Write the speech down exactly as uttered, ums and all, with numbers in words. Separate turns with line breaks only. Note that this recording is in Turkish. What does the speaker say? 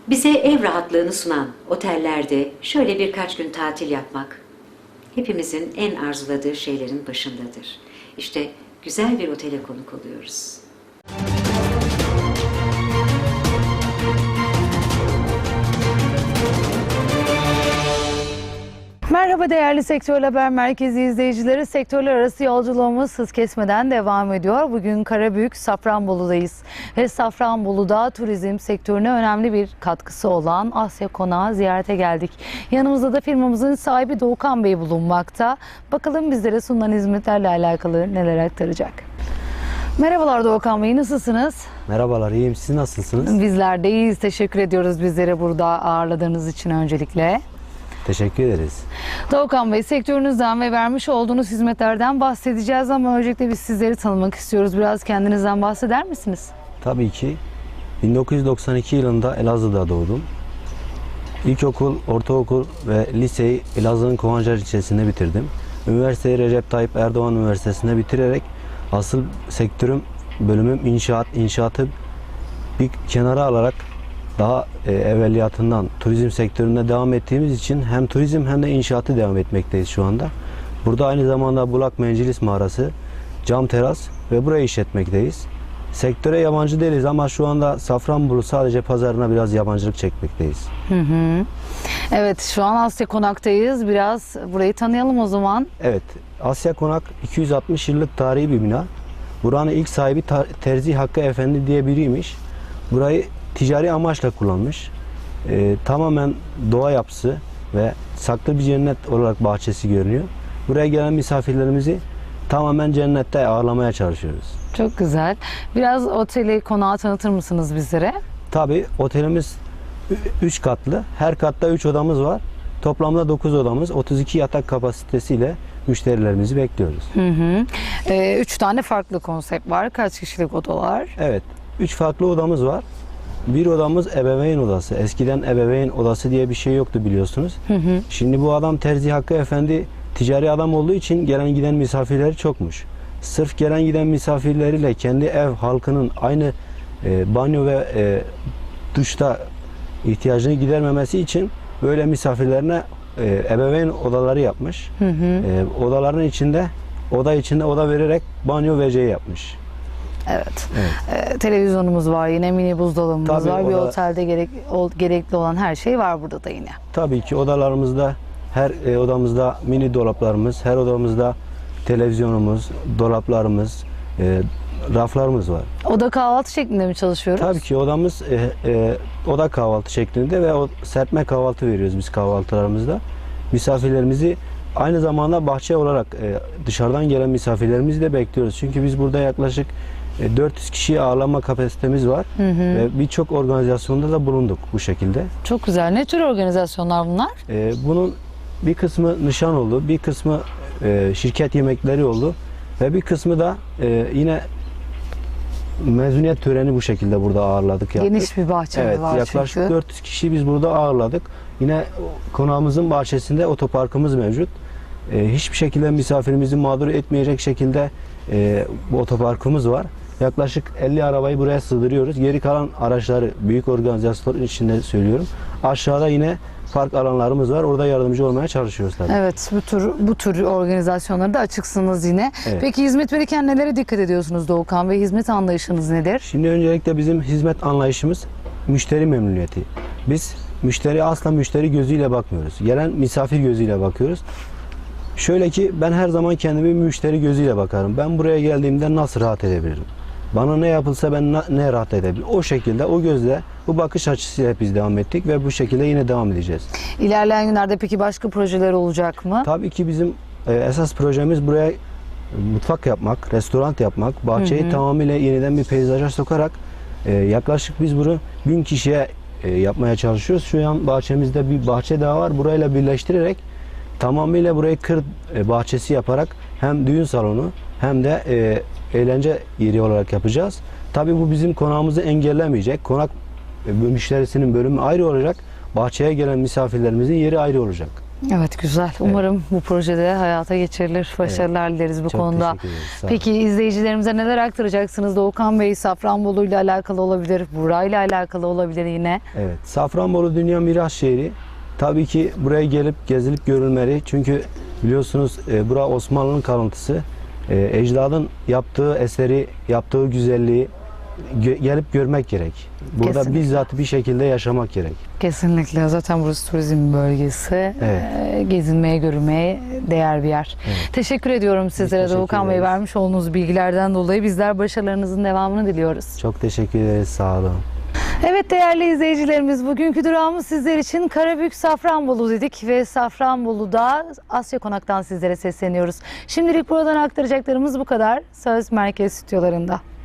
Bize ev rahatlığını sunan otellerde şöyle birkaç gün tatil yapmak hepimizin en arzuladığı şeylerin başındadır. İşte güzel bir otele konuk oluyoruz.
Merhaba değerli Sektör Haber Merkezi izleyicileri. Sektörler arası yolculuğumuz hız kesmeden devam ediyor. Bugün Karabük, Safranbolu'dayız. Ve Safranbolu'da turizm sektörüne önemli bir katkısı olan Asya Konağı ziyarete geldik. Yanımızda da firmamızın sahibi Doğukan Bey bulunmakta. Bakalım bizlere sunulan hizmetlerle alakalı neler aktaracak. Merhabalar Doğukan Bey, nasılsınız?
Merhabalar, iyiyim. Siz nasılsınız?
Bizler de iyiyiz. Teşekkür ediyoruz bizleri burada ağırladığınız için öncelikle.
Teşekkür ederiz.
Doğukan Bey, sektörünüzden ve vermiş olduğunuz hizmetlerden bahsedeceğiz ama öncelikle biz sizleri tanımak istiyoruz. Biraz kendinizden bahseder misiniz?
Tabii ki. bin dokuz yüz doksan iki yılında Elazığ'da doğdum. İlkokul, ortaokul ve liseyi Elazığ'ın Kovancar ilçesinde bitirdim. Üniversiteyi Recep Tayyip Erdoğan Üniversitesi'nde bitirerek asıl sektörüm, bölümüm inşaat, inşaatı bir kenara alarak daha e, evveliyatından turizm sektöründe devam ettiğimiz için hem turizm hem de inşaatı devam etmekteyiz şu anda. Burada aynı zamanda Bulak Mencilis Mağarası, cam teras ve burayı işletmekteyiz. Sektöre yabancı değiliz ama şu anda Safranbolu sadece pazarına biraz yabancılık çekmekteyiz.
Hı hı. Evet, şu an Asya Konak'tayız. Biraz burayı tanıyalım o zaman.
Evet, Asya Konak iki yüz altmış yıllık tarihi bir bina. Buranın ilk sahibi Terzi Hakkı Efendi diye biriymiş. Burayı ticari amaçla kullanmış. Ee, tamamen doğa yapısı ve saklı bir cennet olarak bahçesi görünüyor. Buraya gelen misafirlerimizi tamamen cennette ağırlamaya çalışıyoruz.
Çok güzel. Biraz oteli, konağı tanıtır mısınız bizlere?
Tabii otelimiz üç katlı. Her katta üç odamız var. Toplamda dokuz odamız, otuz iki yatak kapasitesiyle müşterilerimizi bekliyoruz.
Hı hı. Ee, üç tane farklı konsept var. Kaç kişilik odalar?
Evet, üç farklı odamız var. Bir odamız ebeveyn odası. Eskiden ebeveyn odası diye bir şey yoktu biliyorsunuz.
Hı hı.
Şimdi bu adam Terzi Hakkı Efendi ticari adam olduğu için gelen giden misafirleri çokmuş. Sırf gelen giden misafirleriyle kendi ev halkının aynı e, banyo ve e, duşta ihtiyacını gidermemesi için böyle misafirlerine e, ebeveyn odaları yapmış.
Hı hı.
E, odaların içinde oda içinde oda vererek banyo ve şey yapmış.
Evet.
Evet.
Ee, televizyonumuz var yine, mini buzdolabımız
Tabii,
var. Bir
o da-
otelde gerek, o, gerekli olan her şey var burada da yine.
Tabii ki odalarımızda, her e, odamızda mini dolaplarımız, her odamızda televizyonumuz, dolaplarımız, e, raflarımız var.
Oda kahvaltı şeklinde mi çalışıyoruz?
Tabii ki odamız e, e, oda kahvaltı şeklinde ve o serpme kahvaltı veriyoruz biz kahvaltılarımızda. Misafirlerimizi aynı zamanda bahçe olarak e, dışarıdan gelen misafirlerimizi de bekliyoruz. Çünkü biz burada yaklaşık e, dört yüz kişiyi ağırlama kapasitemiz var.
Hı hı.
Ve birçok organizasyonda da bulunduk bu şekilde.
Çok güzel. Ne tür organizasyonlar bunlar?
E, bunun bir kısmı nişan oldu, bir kısmı e, şirket yemekleri oldu ve bir kısmı da e, yine mezuniyet töreni bu şekilde burada ağırladık. Yaptık.
Geniş bir bahçe
Evet,
var
yaklaşık
çünkü.
dört yüz kişi biz burada ağırladık. Yine konağımızın bahçesinde otoparkımız mevcut. E, hiçbir şekilde misafirimizi mağdur etmeyecek şekilde e, bu otoparkımız var. Yaklaşık elli arabayı buraya sığdırıyoruz. Geri kalan araçları büyük organizasyonlar içinde söylüyorum. Aşağıda yine park alanlarımız var. Orada yardımcı olmaya çalışıyoruz tabii.
Evet, bu tür bu tür organizasyonlara da açıksınız yine.
Evet.
Peki hizmet verirken nelere dikkat ediyorsunuz Doğukan Bey? Hizmet anlayışınız nedir?
Şimdi öncelikle bizim hizmet anlayışımız müşteri memnuniyeti. Biz müşteri asla müşteri gözüyle bakmıyoruz. Gelen misafir gözüyle bakıyoruz. Şöyle ki ben her zaman kendimi müşteri gözüyle bakarım. Ben buraya geldiğimde nasıl rahat edebilirim? Bana ne yapılsa ben na- ne rahat edebilirim? O şekilde, o gözle, bu bakış açısıyla biz devam ettik ve bu şekilde yine devam edeceğiz.
İlerleyen günlerde peki başka projeler olacak mı?
Tabii ki bizim e, esas projemiz buraya mutfak yapmak, restoran yapmak, bahçeyi
Hı hı.
tamamıyla yeniden bir peyzaja sokarak e, yaklaşık biz bunu bin kişiye e, yapmaya çalışıyoruz. Şu an bahçemizde bir bahçe daha var. Burayla birleştirerek tamamıyla burayı kır e, bahçesi yaparak hem düğün salonu hem de e, eğlence yeri olarak yapacağız. Tabii bu bizim konağımızı engellemeyecek. Konak e, müşterisinin bölümü ayrı olacak. Bahçeye gelen misafirlerimizin yeri ayrı olacak.
Evet, güzel. Umarım bu projede hayata geçirilir. Başarılar dileriz bu
Çok
konuda.
teşekkür ederiz. Sağ olun.
Peki izleyicilerimize neler aktaracaksınız? Doğukan Bey, Safranbolu ile alakalı olabilir, burayla alakalı olabilir yine.
Evet, Safranbolu Dünya Miras Şehri. Tabii ki buraya gelip gezilip görülmeli. Çünkü biliyorsunuz e, bura Osmanlı'nın kalıntısı. E, ecdadın yaptığı eseri, yaptığı güzelliği gö- gelip görmek gerek. Burada
Kesinlikle.
bizzat bir şekilde yaşamak gerek.
Kesinlikle. Zaten burası turizm bölgesi.
Evet.
Ee, Gezinmeye, görülmeye değer bir yer.
Evet.
Teşekkür ediyorum sizlere
teşekkür
Doğukan Bey,
ederiz.
vermiş olduğunuz bilgilerden dolayı. Bizler başarılarınızın devamını diliyoruz.
Çok teşekkür ederiz. Sağ olun.
Evet değerli izleyicilerimiz, bugünkü durağımız sizler için Karabük Safranbolu dedik ve Safranbolu'da Asya Konak'tan sizlere sesleniyoruz. Şimdilik buradan aktaracaklarımız bu kadar. Söz merkez stüdyolarında.